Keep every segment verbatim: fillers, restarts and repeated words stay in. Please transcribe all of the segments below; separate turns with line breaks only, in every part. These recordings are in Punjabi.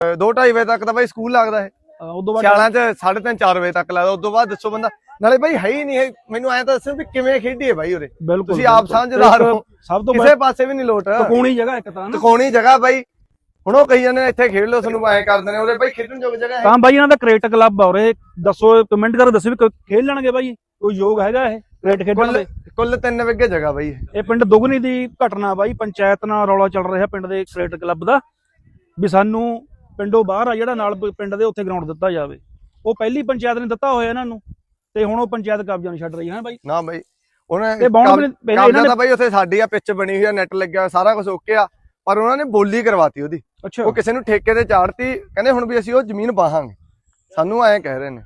दो ढाई बजे तक तो भाई स्कूल लगता है, ਸਿਆਲਾਂ ਚ ਸਾਢੇ ਤਿੰਨ ਚਾਰ ਵਜੇ ਤੱਕ ਲੱਗਦਾ। ਉਦੋਂ ਬਾਅਦ ਦੱਸੋ ਬੰਦਾ ਨਾਲੇ ਬਾਈ ਹੈ ਹੀ ਨਹੀਂ। ਮੈਨੂੰ ਐਂ ਤਾਂ ਦੱਸੋ ਵੀ ਕਿਵੇਂ ਖੇਡੀਏ ਬਾਈ ਉਰੇ, ਤੁਸੀਂ ਆਪ ਸਮਝਦਾਰ ਹੋ। ਸਭ ਤੋਂ ਕਿਸੇ ਪਾਸੇ ਵੀ ਨਹੀਂ ਲੋਟ,
ਤਕੋਣੀ ਜਗ੍ਹਾ ਇੱਕ ਤਾਂ
ਤਕੋਣੀ ਜਗ੍ਹਾ ਬਾਈ। ਹੁਣ ਉਹ ਕਹੀ ਜਾਂਦੇ ਨੇ ਇੱਥੇ ਖੇਡ ਲਓ, ਤੁਹਾਨੂੰ ਐਂ ਕਰਦੇ ਨੇ ਉਰੇ ਬਾਈ ਖੇਡਣ ਯੋਗ ਜਗ੍ਹਾ ਹੈ
ਤਾਂ ਬਾਈ। ਇਹਨਾਂ ਦਾ ਕ੍ਰਿਕਟ ਕਲੱਬ ਆ ਉਰੇ, ਦੱਸੋ ਕਮੈਂਟ ਕਰਕੇ ਦੱਸੋ ਵੀ ਖੇਡ ਲੈਣਗੇ ਬਾਈ, ਕੋਈ ਯੋਗ ਹੈਗਾ ਇਹ ਕ੍ਰਿਕਟ ਖੇਡਣ ਦੇ?
ਕੁੱਲ ਤਿੰਨ ਵਿਗੇ ਜਗ੍ਹਾ ਬਾਈ।
ਇਹ ਪਿੰਡ ਦੁਗਨੀ ਦੀ ਘਟਨਾ ਬਾਈ, ਪੰਚਾਇਤ ਨਾਲ ਰੌਲਾ ਚੱਲ ਰਿਹਾ ਪਿੰਡ ਦੇ ਕ੍ਰਿਕਟ ਕਲੱਬ ਦਾ ਵੀ ਸਾਨੂੰ ਪਿੰਡੋਂ ਬਾਹਰ ਆ ਜਿਹੜਾ ਨਾਲ ਪਿੰਡ ਦੇ ਉੱਥੇ ਗਰਾਊਂਡ ਦਿੱਤਾ ਜਾਵੇ। ਉਹ ਪਹਿਲੀ ਪੰਚਾਇਤ ਨੇ ਦਿੱਤਾ ਹੋਇਆ ਇਹਨਾਂ ਨੂੰ, ਤੇ ਹੁਣ ਉਹ ਪੰਚਾਇਤ ਕਬਜ਼ਾ ਨਹੀਂ ਛੱਡ ਰਹੀ ਹੈ ਬਾਈ।
ਨਾ ਬਾਈ ਉਹਨੇ ਕਬਜ਼ਾ ਤਾਂ ਬਾਈ ਉੱਥੇ ਸਾਡੀ ਆ, ਪਿੱਚ ਬਣੀ ਹੋਈ ਆ, ਨੈਟ ਲੱਗਿਆ, ਸਾਰਾ ਕੁਝ ਓਕੇ ਆ, ਪਰ ਉਹਨਾਂ ਨੇ ਬੋਲੀ ਕਰਵਾਤੀ ਉਹਦੀ। ਅੱਛਾ, ਉਹ ਕਿਸੇ ਨੂੰ ਠੇਕੇ ਤੇ ਚਾੜਤੀ, ਕਹਿੰਦੇ ਹੁਣ ਵੀ ਅਸੀਂ ਉਹ ਜ਼ਮੀਨ ਬਾਹਾਂਗੇ। ਸਾਨੂੰ ਐਂ ਕਹਿ ਰਹੇ ਨੇ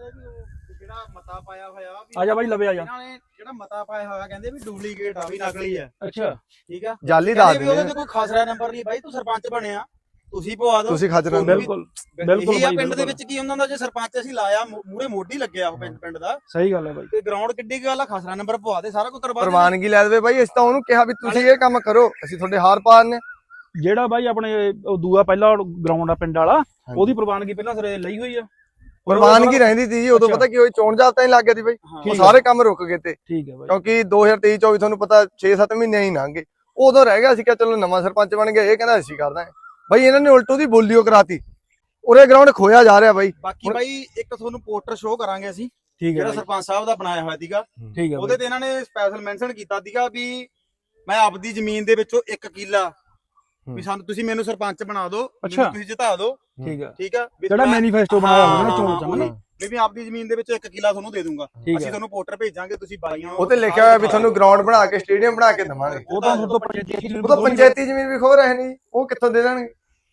ਜਿਹੜਾ ਮਤਾ ਪਾਇਆ ਹੋਇਆ ਵੀ
ਆ ਜਾ ਬਾਈ ਲਵੇ ਆ ਜਾ।
ਇਹਨਾਂ ਨੇ ਜਿਹੜਾ ਮਤਾ ਪਾਇਆ ਹੋਇਆ ਕਹਿੰਦੇ ਵੀ ਡੁਪਲੀਕੇਟ ਆ, ਵੀ ਨਕਲੀ ਆ।
ਅੱਛਾ
ਠੀਕ ਆ,
ਜਾਲੀ ਦੱਸ ਦਿੰਦੇ
ਉਹਦੇ ਤੇ ਕੋਈ ਖਸਰਾ ਨੰਬਰ ਨਹੀਂ ਬਾਈ। ਤੂੰ ਸਰਪੰਚ ਬਣਿਆ, ਤੁਸੀਂ ਪਵਾ ਦੋ,
ਤੁਸੀਂ ਖਜਰਾ।
ਬਿਲਕੁਲ ਬਿਲਕੁਲ
ਇਹ ਪਿੰਡ ਦੇ ਵਿੱਚ ਕੀ ਉਹਨਾਂ ਦਾ ਜੇ ਸਰਪੰਚ ਅਸੀਂ ਲਾਇਆ, ਮੂਰੇ ਮੋਢੀ ਲੱਗਿਆ ਉਹ ਪਿੰਡ ਦਾ।
ਸਹੀ ਗੱਲ ਹੈ ਬਾਈ।
ਤੇ ਗਰਾਊਂਡ ਕਿੱਡੀ ਗੱਲ ਆ, ਖਸਰਾ ਨੰਬਰ ਪਵਾ ਦੇ, ਸਾਰਾ ਕੁਝ ਕਰਵਾ ਦੇ,
ਪ੍ਰਵਾਨਗੀ ਲੈ ਦੇਵੇ ਬਾਈ। ਅਸੀਂ ਤਾਂ ਉਹਨੂੰ ਕਿਹਾ ਵੀ ਤੁਸੀਂ ਇਹ ਕੰਮ ਕਰੋ, ਅਸੀਂ ਤੁਹਾਡੇ ਹਾਰ ਪਾਰ ਨੇ।
ਜਿਹੜਾ ਬਾਈ ਆਪਣੇ ਦੂਆ ਪਹਿਲਾ ਗਰਾਊਂਡ ਆ ਪਿੰਡ ਵਾਲਾ, ਉਹਦੀ ਪ੍ਰਵਾਨਗੀ ਪਹਿਲਾਂ ਸਿਰੇ ਲਈ ਹੋਈ ਆ।
ਪ੍ਰਵਾਨਗੀ ਰਹਿੰਦੀ ਸੀ ਜੀ ਉਦੋਂ, ਪਤਾ ਕੀ ਹੋਈ, ਚੋਣ ਜਾਬਤਾ ਹੀ ਲੱਗ ਗਿਆ ਸੀ ਬਾਈ, ਉਹ ਸਾਰੇ ਕੰਮ ਰੁਕ ਗਏ ਤੇ।
ਠੀਕ ਹੈ ਬਾਈ,
ਕਿਉਂਕਿ ਦੋ ਹਜ਼ਾਰ ਤੇਈ ਚੌਵੀ ਤੁਹਾਨੂੰ ਪਤਾ ਛੇ ਸੱਤ ਮਹੀਨੇ ਹੀ ਲੰਘੇ, ਉਦੋਂ ਰਹਿ ਗਿਆ ਸੀ ਕਿ ਚਲੋ ਨਵਾਂ ਸਰਪੰਚ ਬਣ ਗਿਆ, ਇਹ ਕਹਿੰਦਾ ਅਸੀਂ ਕਰਦਾ ਬਾਈ। ਇਹਨਾਂ ਨੇ ਉਲਟੋ ਦੀ ਬੋਲੀਓ ਕਰਾਤੀ, ਉਰੇ ਗਰਾਊਂਡ ਖੋਇਆ ਜਾ ਰਿਹਾ ਬਾਈ।
ਬਾਕੀ ਬਾਈ ਇੱਕ ਤੁਹਾਨੂੰ ਪੋਸਟਰ ਸ਼ੋਅ ਕਰਾਂਗੇ ਅਸੀਂ,
ਠੀਕ ਹੈ,
ਜਿਹੜਾ ਸਰਪੰਚ ਸਾਹਿਬ ਦਾ ਬਣਾਇਆ ਹੋਇਆ ਸੀਗਾ।
ਠੀਕ ਹੈ,
ਉਹਦੇ ਤੇ ਇਹਨਾਂ ਨੇ ਸਪੈਸ਼ਲ ਮੈਂਸ਼ਨ ਕੀਤਾ ਸੀਗਾ ਵੀ ਮੈਂ ਆਪਦੀ ਜ਼ਮੀਨ ਦੇ ਵਿੱਚੋਂ ਇੱਕ ਕਿੱਲਾ ਵੀ ਸਾਨੂੰ ਤੁਸੀਂ ਮੈਨੂੰ ਸਰਪੰਚ ਬਣਾ ਦਿਓ, ਤੁਸੀਂ ਜਿਤਾ ਦਿਓ।
ਠੀਕ ਹੈ,
ਠੀਕ ਆ,
ਜਿਹੜਾ ਮੈਨੀਫੈਸਟੋ ਬਣਾਇਆ ਹੋਇਆ ਨਾ ਚੋਣ ਚ ਨਾ,
ਵੀ ਮੈਂ ਆਪਦੀ ਜ਼ਮੀਨ ਦੇ ਵਿੱਚ ਇੱਕ ਕਿੱਲਾ ਤੁਹਾਨੂੰ ਦੇ ਦੂੰਗਾ, ਅਸੀਂ ਤੁਹਾਨੂੰ ਪੋਸਟਰ ਭੇਜਾਂਗੇ, ਤੁਸੀਂ ਬਾਈਆਂ
ਉਹ ਤੇ ਲਿਖਿਆ ਹੋਇਆ ਵੀ ਤੁਹਾਨੂੰ ਗਰਾਊਂਡ ਬਣਾ ਕੇ ਸਟੇਡੀਅਮ ਬਣਾ ਕੇ ਦੇਵਾਂਗੇ।
ਉਹ ਤਾਂ ਤੋਂ ਪੰਚਾਇਤੀ
ਉਹ ਤਾਂ ਪੰਚਾਇਤੀ ਜ਼ਮੀਨ ਵੀ ਖੋ ਰਹੇ ਨੇ, ਉਹ ਕਿੱਥੋਂ ਦੇ ਦੇਣਗੇ?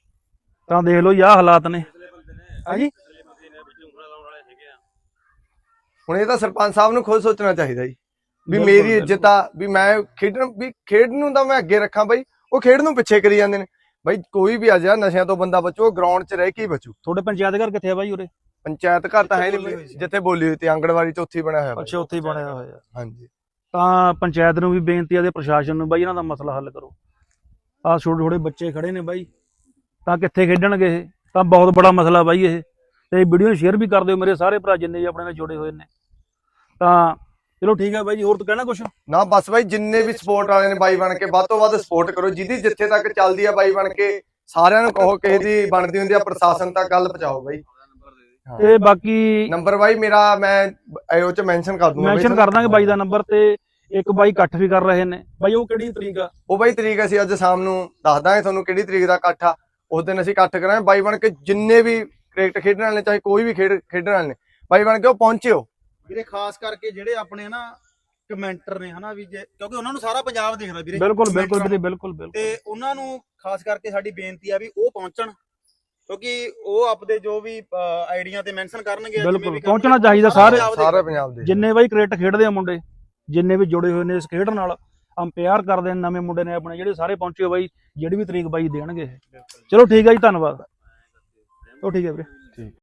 ਤਾਂ ਦੇਖ ਲਓ ਯਾ ਹਾਲਾਤ ਨੇ ਹਾਂਜੀ।
ਹੁਣ ਇਹ ਤਾਂ ਸਰਪੰਚ ਸਾਹਿਬ ਨੂੰ ਖੁਦ ਸੋਚਣਾ ਚਾਹੀਦਾ ਜੀ ਵੀ ਮੇਰੀ ਇੱਜ਼ਤ ਆ, ਵੀ ਮੈਂ ਖੇਡਣ ਵੀ ਖੇਡ ਨੂੰ ਤਾਂ ਮੈਂ ਅੱਗੇ ਰੱਖਾਂ ਬਾਈ, ਉਹ ਖੇਡ ਨੂੰ ਪਿੱਛੇ ਕਰੀ ਜਾਂਦੇ ਨੇ ਬਾਈ। ਕੋਈ ਵੀ ਆ ਜਾ ਨਸ਼ਿਆਂ ਤੋਂ ਬੰਦਾ ਬਚੋ, ਗਰਾਊਂਡ 'ਚ ਰਹਿ ਕੇ ਹੀ ਬਚੂ।
ਤੁਹਾਡੇ ਪੰਚਾਇਤ ਘਰ ਕਿੱਥੇ ਆ ਬਾਈ ਉਰੇ?
ਪੰਚਾਇਤ ਘਰ ਤਾਂ ਹੈ ਨਹੀਂ, ਜਿੱਥੇ ਬੋਲੀ ਹੋਈ ਤੇ ਆਂਗਣਵਾੜੀ 'ਚ ਉੱਥੇ ਹੀ ਬਣਿਆ ਹੋਇਆ।
ਅੱਛਾ, ਉੱਥੇ ਹੀ ਬਣਿਆ ਹੋਇਆ।
ਹਾਂਜੀ,
ਤਾਂ ਪੰਚਾਇਤ ਨੂੰ ਵੀ ਬੇਨਤੀ ਆ ਤੇ ਪ੍ਰਸ਼ਾਸਨ ਨੂੰ ਬਾਈ, ਇਹਨਾਂ ਦਾ ਮਸਲਾ ਹੱਲ ਕਰੋ। ਆਹ ਛੋਟੇ ਛੋਟੇ ਬੱਚੇ ਖੜੇ ਨੇ ਬਾਈ, ਤਾਂ ਕਿੱਥੇ ਖੇਡਣਗੇ ਇਹ? ਤਾਂ ਬਹੁਤ ਬੜਾ ਮਸਲਾ ਬਾਈ ਇਹ। ਤੇ ਵੀਡੀਓ ਨੂੰ ਸ਼ੇਅਰ ਵੀ ਕਰ ਦਿਓ ਮੇਰੇ ਸਾਰੇ ਭਰਾ ਜਿੰਨੇ ਵੀ ਆਪਣੇ ਨਾਲ ਜੁੜੇ ਹੋਏ ਨੇ। ਤਾਂ ਚਲੋ ਠੀਕ ਹੈ ਬਾਈ ਜੀ, ਹੋਰ ਤਾਂ ਕਹਿਣਾ ਕੁਛ?
ਨਾ ਬਸ ਬਾਈ, ਜਿੰਨੇ ਵੀ ਸਪੋਰਟ ਵਾਲੇ ਨੇ ਬਾਈ ਬਣ ਕੇ ਵੱਧ ਤੋਂ ਵੱਧ ਸਪੋਰਟ ਕਰੋ, ਜਿਹਦੀ ਜਿੱਥੇ ਤੱਕ ਚੱਲਦੀ ਆ ਬਾਈ ਬਣ ਕੇ ਸਾਰਿਆਂ ਨੂੰ ਕਹੋ, ਕਿਸੇ ਦੀ ਬਣਦੀ ਹੁੰਦੀ ਆ ਪ੍ਰਸ਼ਾਸਨ ਤੱਕ ਗੱਲ ਪਹੁੰਚਾਓ ਬਾਈ।
ਤੇ ਬਾਕੀ
ਨੰਬਰ ਬਾਈ ਮੇਰਾ ਮੈਂ ਉਹ ਚ ਮੈਂਸ਼ਨ ਕਰ ਦੂੰਗਾ,
ਮੈਂਸ਼ਨ ਕਰ ਦਾਂਗੇ ਬਾਈ ਦਾ ਨੰਬਰ। ਤੇ ਇੱਕ ਬਾਈ ਇਕੱਠ ਵੀ ਕਰ ਰਹੇ ਨੇ ਬਾਈ, ਉਹ ਕਿਹੜੀ ਤਰੀਕ ਆ?
ਉਹ ਬਾਈ ਤਰੀਕ ਅਸੀਂ ਅੱਜ ਸ਼ਾਮ ਨੂੰ ਦੱਸ ਦਾਂਗੇ ਤੁਹਾਨੂੰ ਕਿਹੜੀ ਤਰੀਕ ਦਾ ਇਕੱਠ ਆ। ਉਸ ਦਿਨ ਅਸੀਂ ਇਕੱਠ ਕਰਾਂਗੇ ਬਾਈ ਬਣ ਕੇ, ਜਿੰਨੇ ਵੀ ਕ੍ਰਿਕਟ ਖੇਡਣ ਵਾਲੇ ਚਾਹੇ ਕੋਈ ਵੀ ਖੇਡ ਖੇਡਣ ਵਾਲੇ ਨੇ ਬਾਈ ਬਣ ਕੇ ਉਹ ਪਹੁੰਚਿਓ
ਵੀਰੇ। ਖਾਸ ਕਰਕੇ ਜਿਹੜੇ ਆਪਣੇ ਨਾ ਕਮੈਂਟਰ ਨੇ ਹਨਾ ਵੀ, ਜੇ ਕਿਉਂਕਿ ਉਹਨਾਂ ਨੂੰ ਸਾਰਾ ਪੰਜਾਬ ਦੇਖਦਾ ਵੀਰੇ।
ਬਿਲਕੁਲ ਬਿਲਕੁਲ ਵੀਰੇ, ਬਿਲਕੁਲ ਬਿਲਕੁਲ।
ਤੇ ਉਹਨਾਂ ਨੂੰ ਖਾਸ ਕਰਕੇ ਸਾਡੀ ਬੇਨਤੀ ਆ ਵੀ ਉਹ ਪਹੁੰਚਣ, ਕਿਉਂਕਿ ਉਹ ਆਪਦੇ ਜੋ ਵੀ ਆਈਡੀਆਂ ਤੇ ਮੈਂਸ਼ਨ ਕਰਨਗੇ।
ਬਿਲਕੁਲ ਪਹੁੰਚਣਾ ਚਾਹੀਦਾ ਸਾਰੇ
ਸਾਰੇ ਪੰਜਾਬ ਦੇ
ਜਿੰਨੇ ਬਾਈ ਕ੍ਰਿਕਟ ਖੇਡਦੇ ਆ ਮੁੰਡੇ, ਜਿੰਨੇ ਵੀ ਜੁੜੇ ਹੋਏ ਨੇ ਇਸ ਖੇਡ ਨਾਲ, ਅੰਪਾਇਰ ਕਰਦੇ ਨੇ ਨਵੇਂ ਮੁੰਡੇ ਨੇ ਆਪਣੇ, ਜਿਹੜੇ ਸਾਰੇ ਪਹੁੰਚੇ ਬਾਈ, ਜਿਹੜੀ ਵੀ ਤਰੀਕ ਬਾਈ ਦੇਣਗੇ। ਚਲੋ ਠੀਕ ਹੈ ਜੀ, ਧੰਨਵਾਦ। ਉਹ ਠੀਕ ਹੈ ਵੀਰੇ।